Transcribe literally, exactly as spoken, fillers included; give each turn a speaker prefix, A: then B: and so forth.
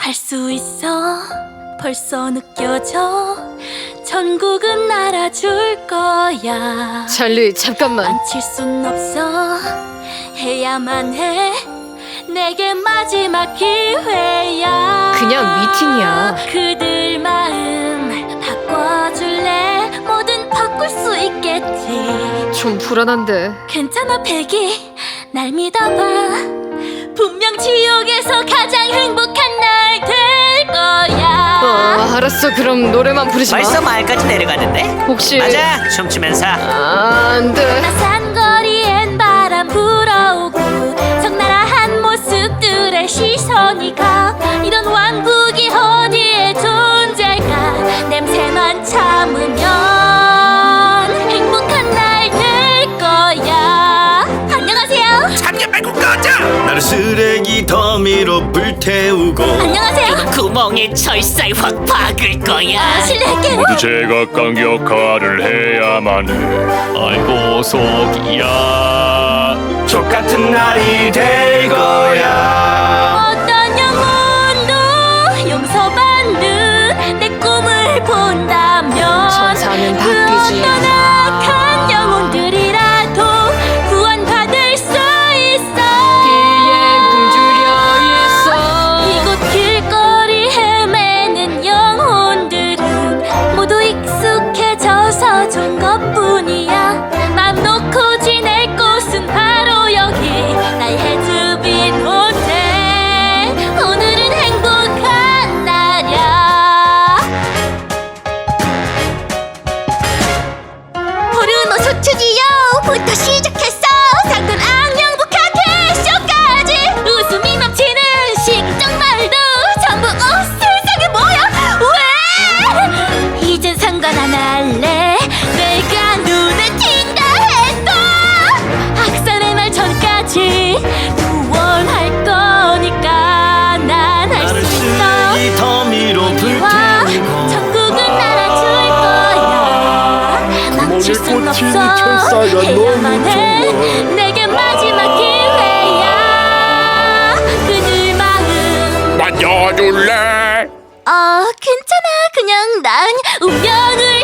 A: 할 수 있어. 벌써 느껴져. 전국은 알아줄 거야.
B: 찰리, 잠깐만.
A: 망칠 순 없어. 해야만 해. 내게 마지막 기회야.
B: 그냥 미팅이야.
A: 그들 마음 바꿔줄래? 뭐든 바꿀 수 있겠지.
B: 좀 불안한데.
A: 괜찮아 백이, 날 믿어봐. 분명 지옥에서 가장 행복한 날 될 거야.
B: 어, 알았어. 그럼 노래만 부르지 마.
C: 벌써 마을까지 내려가는데?
B: 혹시
C: 맞아, 춤추면서.
B: 아, 안 돼.
A: 나산 거리엔 바람 불어오고 적나라한 모습들의 시선이 가. 이런 왕국이 어디에 존재할까? 냄새만 참으면 행복한 날 될 거야. 안녕하세요.
C: 참견 말고 꺼져!
D: 나를 쓰레기 더미로 불태우고
A: 안녕하세요.
C: 구멍에 철사에 확 박을 거야.
A: 아, 실례할게요.
E: 모두 제각각 역할을 해야만 해. 아이고 속이야.
D: 족같은 날이 될 거야.
A: 어떤 영혼도 용서받는 내 꿈을 본다면
B: 천사는
A: 그
B: 바뀌지
A: 어떤 악한 영혼들이라도 구원받을 수 있어.
B: 비에 굶주려 있어.
A: 이곳 길거리 헤매는 영혼들은 모두 익숙해져서 좋은 것뿐이야. 맘 놓고 지낼 곳은 바로 여기, 나의 헤즈빈 호텔. 오늘은 행복한 날이야. 포르노 소추지요부터 시작했어. 상근 악령부카 캐쇼까지 웃음이 넘치는 식정말도 전부 어 세상에 뭐야. 왜 이젠 상관 안 할래. 내가 눈에 띈다 해도 학살의 날 전까지 구원할 거니까. 난 할
D: 나를
A: 수 있어.
D: 쓰레기 더미로
A: 와,
D: 불태우고
A: 전국은 알아줄 거야. 망칠 순 없어. 해야만 해. 내게 마지막 기회야. 그들 마음
E: 만져줄래?
A: 어 괜찮아. 그냥 난 운명을